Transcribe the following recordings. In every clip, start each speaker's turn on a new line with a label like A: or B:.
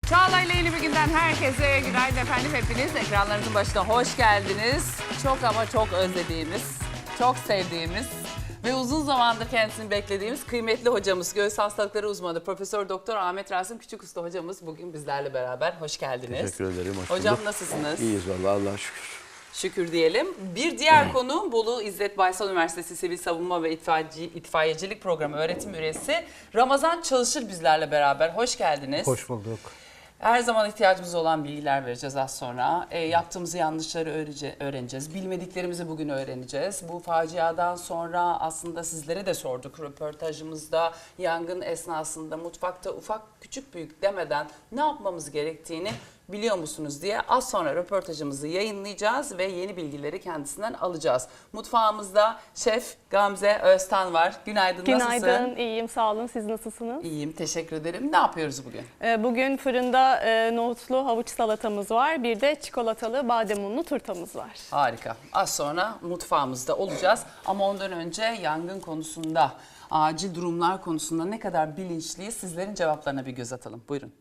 A: Çağla ile yeni bir günden herkese günaydın efendim. Hepiniz ekranlarınızın başına hoş geldiniz. Çok ama çok özlediğimiz, çok sevdiğimiz ve uzun zamandır kendisini beklediğimiz kıymetli hocamız, göğüs hastalıkları uzmanı Profesör Doktor Ahmet Rasim Küçükusta hocamız bugün bizlerle beraber. Hoş geldiniz.
B: Teşekkür ederim. Hoş
A: Hocam
B: bulduk.
A: nasılsınız?
B: İyiyiz vallahi Allah'a şükür.
A: Şükür diyelim. Bir diğer konu Bolu İzzet Baysal Üniversitesi Sivil Savunma ve İtfaiyecilik Programı öğretim üyesi Ramazan Çalışır bizlerle beraber. Hoş geldiniz.
C: Hoş bulduk.
A: Her zaman ihtiyacımız olan bilgiler vereceğiz az sonra. Yaptığımız yanlışları öğreneceğiz. Bilmediklerimizi bugün öğreneceğiz. Bu faciadan sonra aslında sizlere de sorduk röportajımızda. Yangın esnasında mutfakta ufak küçük büyük demeden ne yapmamız gerektiğini biliyor musunuz diye az sonra röportajımızı yayınlayacağız ve yeni bilgileri kendisinden alacağız. Mutfağımızda Şef Gamze Öztan var. Günaydın, nasılsın?
D: Günaydın, iyiyim, sağ olun. Siz nasılsınız?
A: İyiyim, teşekkür ederim. Ne yapıyoruz bugün?
D: Bugün fırında nohutlu havuç salatamız var. Bir de çikolatalı badem unlu turtamız var.
A: Harika. Az sonra mutfağımızda olacağız. Ama ondan önce yangın konusunda, acil durumlar konusunda ne kadar bilinçliyiz sizlerin cevaplarına bir göz atalım. Buyurun.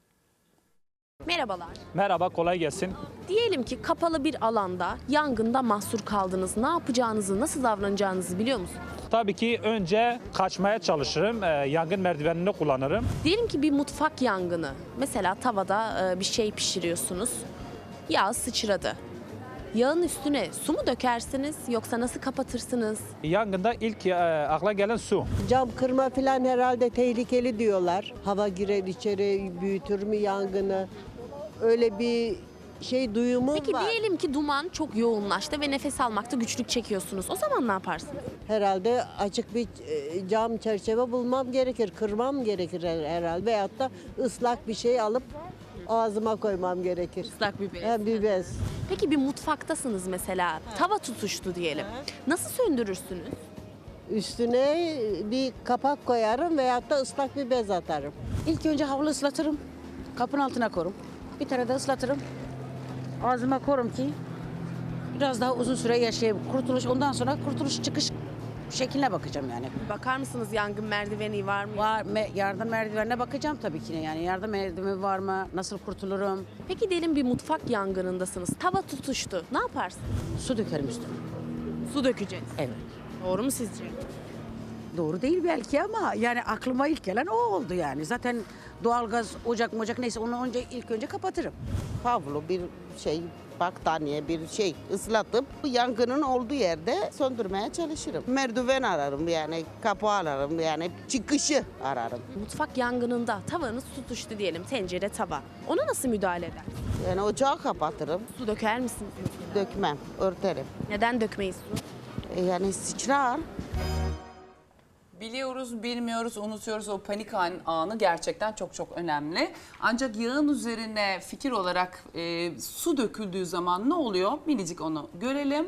E: Merhabalar.
F: Merhaba, kolay gelsin.
E: Diyelim ki kapalı bir alanda yangında mahsur kaldınız. Ne yapacağınızı, nasıl davranacağınızı biliyor musunuz?
F: Tabii ki önce kaçmaya çalışırım, yangın merdivenini kullanırım.
E: Diyelim ki bir mutfak yangını. Mesela tavada bir şey pişiriyorsunuz. Yağ sıçradı. Yağın üstüne su mu dökersiniz yoksa nasıl kapatırsınız?
F: Yangında ilk akla gelen su.
G: Cam kırma falan herhalde tehlikeli diyorlar. Hava girer içeri, büyütür mü yangını? Öyle bir şey duyumum
E: Peki
G: var.
E: diyelim ki duman çok yoğunlaştı ve nefes almakta güçlük çekiyorsunuz. O zaman ne yaparsınız?
G: Herhalde açık bir cam çerçeve bulmam gerekir, kırmam gerekir herhalde. Veyahut da ıslak bir şey alıp ağzıma koymam gerekir.
E: Islak bir bez.
G: Bir bez.
E: Peki bir mutfaktasınız mesela. Tava tutuştu diyelim. Nasıl söndürürsünüz?
G: Üstüne bir kapak koyarım veyahut da ıslak bir bez atarım.
H: İlk önce havlu ıslatırım. Kapının altına korum. Bir tane de ıslatırım. Ağzıma korum ki biraz daha uzun süre yaşayayım. Kurtuluş, ondan sonra kurtuluş çıkış şekline bakacağım yani.
E: Bakar mısınız yangın merdiveni var mı?
H: Yardım merdivenine bakacağım tabii ki yani. Yardım merdiveni var mı? Nasıl kurtulurum?
E: Peki diyelim bir mutfak yangınındasınız. Tava tutuştu. Ne yaparsın?
H: Su dökerim üstüne.
E: Su dökeceğiz.
H: Evet.
E: Doğru mu sizce?
H: Doğru değil belki ama yani aklıma ilk gelen o oldu yani. Zaten doğalgaz, ocak neyse onu ilk önce kapatırım.
I: Havlu bir şey, battaniye bir şey ıslatıp yangının olduğu yerde söndürmeye çalışırım. Merdiven ararım yani, kapı ararım yani, çıkışı ararım.
E: Mutfak yangınında tavanız tutuştu diyelim. Tencere, tava. Ona nasıl müdahale eder?
I: Yani ocağı kapatırım,
E: Su döker misiniz?
I: dökmem, örterim.
E: Neden dökmeyiz su?
I: Yani sıçrar.
A: Biliyoruz, bilmiyoruz, unutuyoruz, o panik anı gerçekten çok çok önemli. Ancak yağın üzerine fikir olarak su döküldüğü zaman ne oluyor? Minicik onu görelim.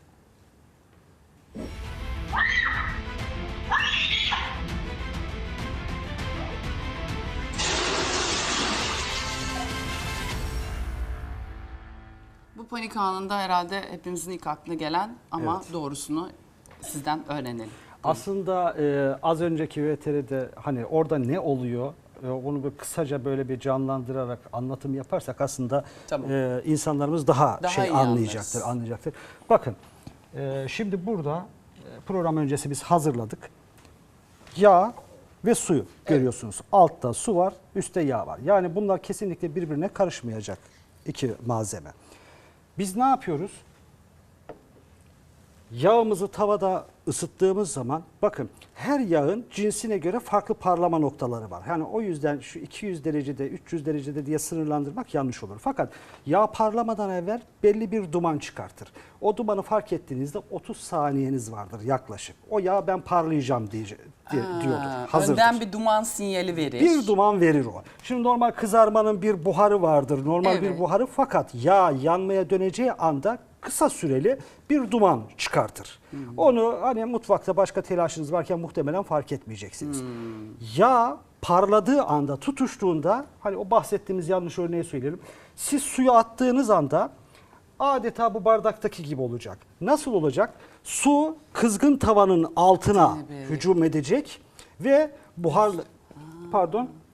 A: Bu panik anında herhalde hepimizin ilk aklına gelen ama doğrusunu sizden öğrenelim.
C: Aslında az önceki VTR'de hani orada ne oluyor onu bir kısaca böyle bir canlandırarak anlatım yaparsak aslında
A: Tamam.
C: insanlarımız daha
A: iyi
C: anlayacaktır. Bakın şimdi burada program öncesi biz hazırladık. Yağ ve suyu görüyorsunuz. Altta su var, üstte yağ var. Yani bunlar kesinlikle birbirine karışmayacak iki malzeme. Biz ne yapıyoruz? Yağımızı tavada ısıttığımız zaman bakın her yağın cinsine göre farklı parlama noktaları var. Yani o yüzden şu 200 derecede 300 derecede diye sınırlandırmak yanlış olur. Fakat yağ parlamadan evvel belli bir duman çıkartır. O dumanı fark ettiğinizde 30 saniyeniz vardır yaklaşık. O yağ ben parlayacağım diyordur. Hazırdır.
A: Önden bir duman sinyali verir.
C: Bir duman verir o. Şimdi normal kızarmanın bir buharı vardır. Normal bir buharı fakat yağ yanmaya döneceği anda kısa süreli bir duman çıkartır. Onu hani mutfakta başka telaşınız varken muhtemelen fark etmeyeceksiniz. Yağ parladığı anda, tutuştuğunda hani o bahsettiğimiz yanlış örneği söyleyelim. Siz suyu attığınız anda adeta bu bardaktaki gibi olacak. Nasıl olacak? Su kızgın tavanın altına hücum edecek ve buharlı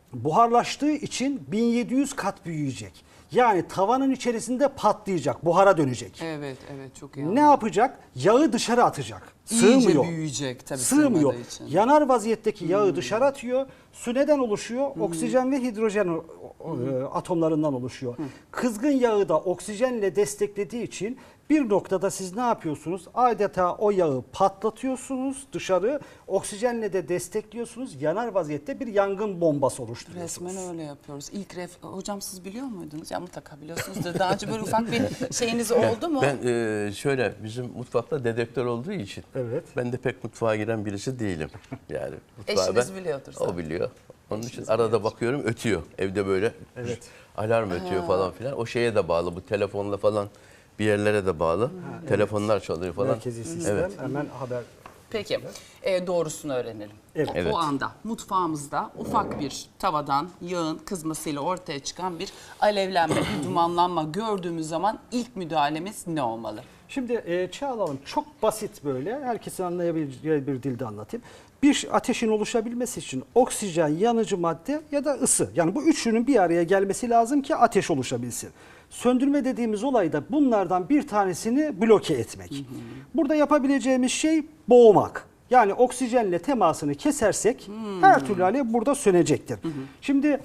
C: buharlaştığı için 1700 kat büyüyecek. Yani tavanın içerisinde patlayacak, buhara dönecek.
A: Evet, evet çok iyi.
C: Ne yapacak? Yağı dışarı atacak.
A: İyice
C: Sığmıyor.
A: büyüyecek tabii
C: Sığmıyor.
A: sığmadığı için.
C: Yanar vaziyetteki yağı dışarı atıyor. Su neden oluşuyor? Oksijen ve hidrojen atomlarından oluşuyor. Kızgın yağı da oksijenle desteklediği için bir noktada siz ne yapıyorsunuz? Adeta o yağı patlatıyorsunuz dışarı. Oksijenle de destekliyorsunuz. Yanar vaziyette bir yangın bombası oluşturuyorsunuz.
A: Resmen öyle yapıyoruz. Hocam siz biliyor muydunuz? Ya mutlaka biliyorsunuzdur. Daha önce böyle ufak bir şeyiniz oldu mu?
B: Ben şöyle bizim mutfakta dedektör olduğu için
C: Evet.
B: ben de pek mutfağa giren birisi değilim. Yani mutfağı
A: Eşiniz biliyordur zaten.
B: O biliyor. Onun için arada bakıyorum ötüyor. Evde böyle alarm ötüyor falan filan. O şeye de bağlı. Bu telefonla falan bir yerlere de bağlı. Telefonlar çalıyor falan.
C: Merkezi sistem
B: Evet.
C: hemen haber.
A: Peki doğrusunu öğrenelim.
C: Evet.
A: O anda mutfağımızda ufak bir tavadan yağın kızmasıyla ortaya çıkan bir alevlenme, bir dumanlanma gördüğümüz zaman ilk müdahalemiz ne olmalı?
C: Şimdi Çağla Hanım çok basit böyle herkesin anlayabileceği bir dilde anlatayım. Bir ateşin oluşabilmesi için oksijen, yanıcı madde ya da ısı. Yani bu üçünün bir araya gelmesi lazım ki ateş oluşabilsin. Söndürme dediğimiz olay da bunlardan bir tanesini bloke etmek. Burada yapabileceğimiz şey boğmak. Yani oksijenle temasını kesersek her türlü alev burada sönecektir. Şimdi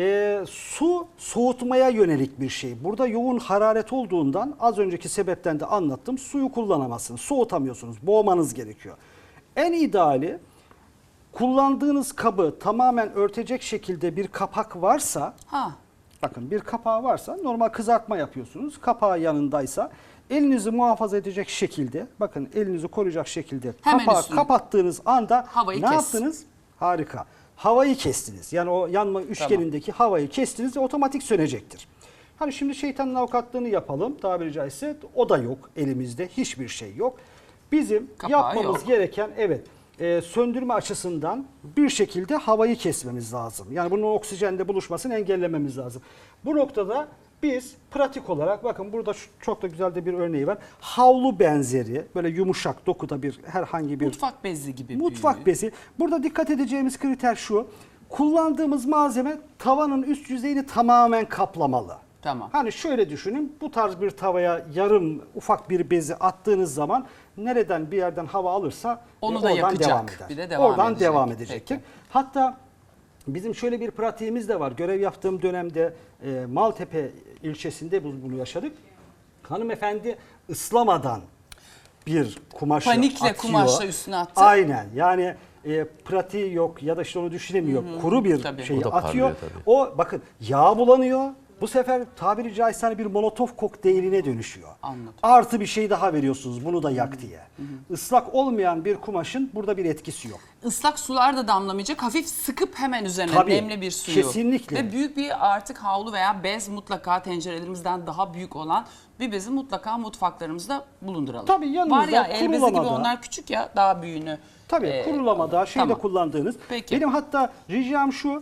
C: su soğutmaya yönelik bir şey. Burada yoğun hararet olduğundan az önceki sebepten de anlattım. Suyu kullanamazsınız, soğutamıyorsunuz, boğmanız gerekiyor. En ideali kullandığınız kabı tamamen örtecek şekilde bir kapak varsa, bakın bir kapağı varsa normal kızartma yapıyorsunuz. Kapağı yanındaysa elinizi muhafaza edecek şekilde, bakın elinizi koruyacak şekilde
A: Hemen
C: kapağı
A: üstüne.
C: kapattığınız anda
A: Havayı
C: ne
A: kes.
C: yaptınız? Harika. Havayı kestiniz. Yani o yanma üçgenindeki havayı kestiniz ve otomatik sönecektir. Hani şimdi şeytanın avukatlığını yapalım tabiri caizse, o da yok elimizde, hiçbir şey yok. Bizim
A: Kapağı
C: yapmamız
A: yok.
C: gereken söndürme açısından bir şekilde havayı kesmemiz lazım. Yani bunun oksijenle buluşmasını engellememiz lazım. Bu noktada biz pratik olarak bakın burada çok da güzel de bir örneği var. Havlu benzeri böyle yumuşak dokuda bir herhangi bir
A: Mutfak bezi gibi
C: mutfak
A: büyüğü.
C: bezi. Burada dikkat edeceğimiz kriter şu. Kullandığımız malzeme tavanın üst yüzeyini tamamen kaplamalı.
A: Tamam.
C: Hani şöyle düşünün, bu tarz bir tavaya yarım ufak bir bezi attığınız zaman nereden bir yerden hava alırsa
A: Onu da
C: oradan
A: yakacak.
C: devam eder.
A: Bir de devam
C: oradan
A: edecek.
C: devam edecektir.
A: Peki.
C: Hatta bizim şöyle bir pratiğimiz de var. Görev yaptığım dönemde Maltepe ilçesinde bunu yaşadık. Hanımefendi ıslamadan bir kumaşı
A: Panikle
C: atıyor.
A: kumaşla üstüne attı.
C: Aynen. Yani pratiği yok ya da işte onu düşünemiyor. Kuru bir
A: Tabii.
C: şeyi
B: O da
C: atıyor.
B: parlıyor tabii.
C: O bakın yağ bulanıyor. Bu sefer tabiri caizse hani bir molotov kokteyline dönüşüyor.
A: Anladım.
C: Artı bir şey daha veriyorsunuz bunu da yak diye. Islak olmayan bir kumaşın burada bir etkisi yok.
A: Islak sular da damlamayacak. Hafif sıkıp hemen üzerine
C: Tabii,
A: nemli bir suyu.
C: kesinlikle.
A: Ve büyük bir artık havlu veya bez mutlaka tencerelerimizden daha büyük olan bir bezi mutlaka mutfaklarımızda bulunduralım.
C: Tabii, yanımızda
A: var ya el bezi gibi
C: kurulamada.
A: onlar küçük ya daha büyüğünü.
C: Tabii kurulamada şeyde
A: tamam.
C: kullandığınız.
A: Peki.
C: Benim hatta ricam şu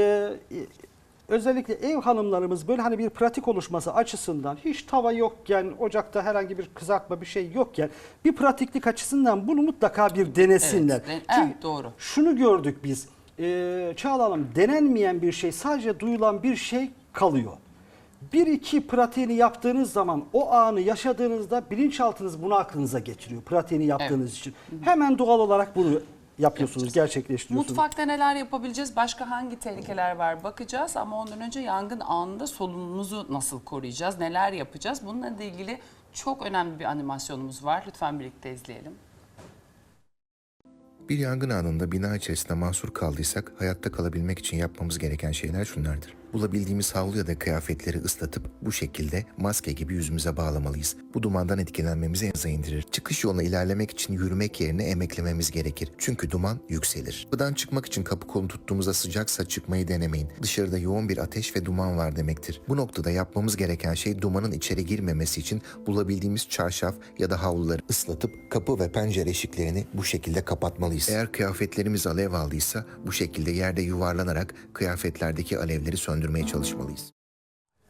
C: özellikle ev hanımlarımız böyle hani bir pratik oluşması açısından hiç tava yokken, ocakta herhangi bir kızartma bir şey yokken bir pratiklik açısından bunu mutlaka bir denesinler.
A: Evet,
C: Çünkü
A: doğru.
C: şunu gördük biz. Çağla Hanım, denenmeyen bir şey, sadece duyulan bir şey kalıyor. Bir iki pratiğini yaptığınız zaman o anı yaşadığınızda bilinçaltınız bunu aklınıza getiriyor. Pratiğini yaptığınız için. Hemen doğal olarak bunu yapıyorsunuz, gerçekleştiriyorsunuz.
A: Mutfakta neler yapabileceğiz? Başka hangi tehlikeler var bakacağız ama ondan önce yangın anında solunumumuzu nasıl koruyacağız? Neler yapacağız? Bununla ilgili çok önemli bir animasyonumuz var. Lütfen birlikte izleyelim.
J: Bir yangın anında bina içerisinde mahsur kaldıysak hayatta kalabilmek için yapmamız gereken şeyler şunlardır. Bulabildiğimiz havlu ya da kıyafetleri ıslatıp bu şekilde maske gibi yüzümüze bağlamalıyız. Bu dumandan etkilenmemizi en aza indirir. Çıkış yoluna ilerlemek için yürümek yerine emeklememiz gerekir. Çünkü duman yükselir. Kapıdan çıkmak için kapı kolunu tuttuğumuzda sıcaksa çıkmayı denemeyin. Dışarıda yoğun bir ateş ve duman var demektir. Bu noktada yapmamız gereken şey dumanın içeri girmemesi için bulabildiğimiz çarşaf ya da havluları ıslatıp kapı ve pencere eşiklerini bu şekilde kapatmalıyız. Eğer kıyafetlerimiz alev aldıysa bu şekilde yerde yuvarlanarak kıyafetlerdeki alevleri söndürmeye çalışmalıyız.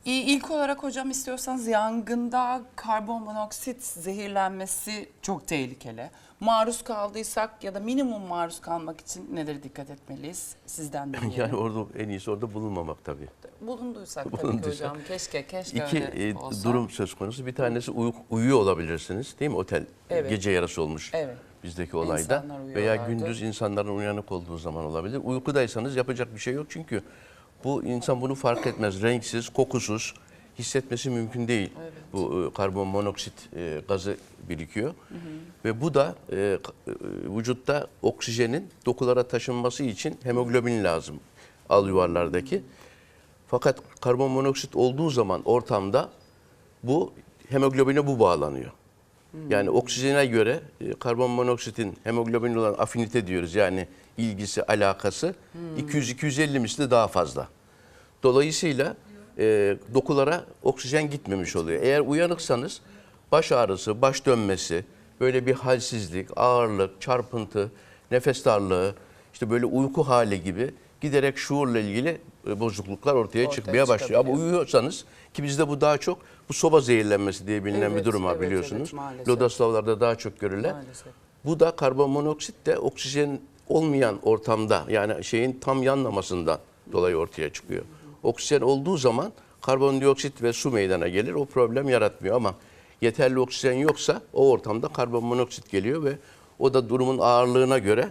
A: İlk olarak hocam istiyorsanız yangında karbonmonoksit zehirlenmesi çok tehlikeli. Maruz kaldıysak ya da minimum maruz kalmak için nelere dikkat etmeliyiz? Sizden de dinleyelim.
B: Yani orada en iyisi orada bulunmamak tabii.
A: Bulunduysak tabii ki
B: Bulunduysak.
A: hocam. Keşke
B: İki
A: öyle olsa.
B: durum söz konusu. Bir tanesi uyuyor olabilirsiniz değil mi? Otel
A: Evet.
B: gece yarısı olmuş
A: Evet.
B: bizdeki olayda.
A: İnsanlar
B: Veya
A: uyuyorlardı.
B: gündüz insanların uyanık olduğu zaman olabilir. Uykudaysanız yapacak bir şey yok çünkü bu insan bunu fark etmez. Renksiz, kokusuz hissetmesi mümkün değil.
A: Evet.
B: Bu karbon monoksit gazı birikiyor. Ve bu da vücutta oksijenin dokulara taşınması için hemoglobin lazım alüvarlardaki. Fakat karbon monoksit olduğu zaman ortamda bu hemoglobine bu bağlanıyor. Yani oksijene göre karbon monoksitin hemoglobinle olan afinite diyoruz. Yani ilgisi, alakası 200-250 misli daha fazla. Dolayısıyla dokulara oksijen gitmemiş oluyor. Eğer uyanıksanız baş ağrısı, baş dönmesi, böyle bir halsizlik, ağırlık, çarpıntı, nefes darlığı, işte böyle uyku hali gibi giderek şuurla ilgili bozukluklar ortaya çıkmaya başlıyor. Ama uyuyorsanız, ki bizde bu daha çok bu soba zehirlenmesi diye bilinen
A: Evet,
B: bir durum var
A: evet,
B: biliyorsunuz.
A: evet, maalesef.
B: Lodoslavlarda daha çok görülen.
A: Maalesef.
B: Bu da karbonmonoksit de oksijen olmayan ortamda, yani şeyin tam yanmamasından dolayı ortaya çıkıyor. Oksijen olduğu zaman karbondioksit ve su meydana gelir. O problem yaratmıyor ama yeterli oksijen yoksa o ortamda karbonmonoksit geliyor ve o da durumun ağırlığına göre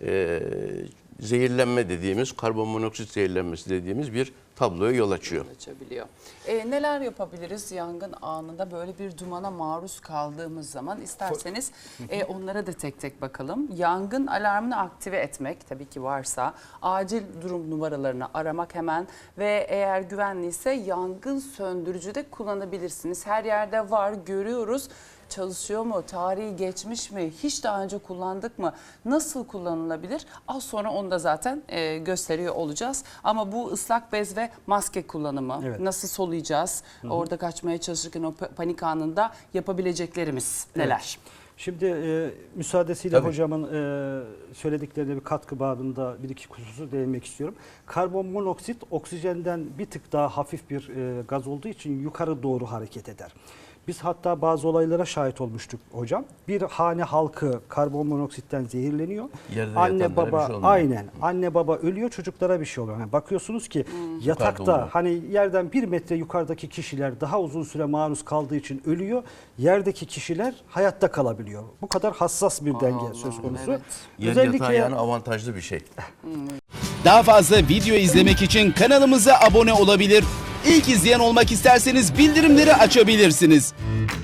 B: zehirlenme dediğimiz, karbonmonoksit zehirlenmesi dediğimiz bir tabloya yol açıyor.
A: Açabiliyor. Neler yapabiliriz yangın anında böyle bir dumana maruz kaldığımız zaman? İsterseniz onlara da tek tek bakalım. Yangın alarmını aktive etmek tabii ki varsa, acil durum numaralarını aramak hemen ve eğer güvenliyse yangın söndürücü de kullanabilirsiniz. Her yerde var, görüyoruz. Çalışıyor mu? Tarihi geçmiş mi? Hiç daha önce kullandık mı? Nasıl kullanılabilir? Az sonra onu da zaten gösteriyor olacağız. Ama bu ıslak bez ve maske kullanımı,
C: Evet.
A: nasıl soluyacağız? Orada kaçmaya çalışırken o panik anında yapabileceklerimiz neler?
C: Şimdi müsaadesiyle
B: Tabii.
C: hocamın söylediklerine bir katkı babında bir iki hususu değinmek istiyorum. Karbon monoksit oksijenden bir tık daha hafif bir gaz olduğu için yukarı doğru hareket eder. Biz hatta bazı olaylara şahit olmuştuk hocam. Bir hane halkı karbon monoksitten zehirleniyor.
B: Yerde
C: Anne
B: yatanlara bir
C: baba
B: şey olmuyor.
C: aynen anne baba ölüyor, çocuklara bir şey oluyor. Yani bakıyorsunuz ki yatakta
B: oluyor.
C: hani yerden 1 metre yukarıdaki kişiler daha uzun süre maruz kaldığı için ölüyor. Yerdeki kişiler hayatta kalabiliyor. Bu kadar hassas bir denge söz konusu.
A: evet.
B: Yer yatağı yani avantajlı bir şey.
K: Daha fazla video izlemek için kanalımıza abone olabilir. İlk izleyen olmak isterseniz bildirimleri açabilirsiniz.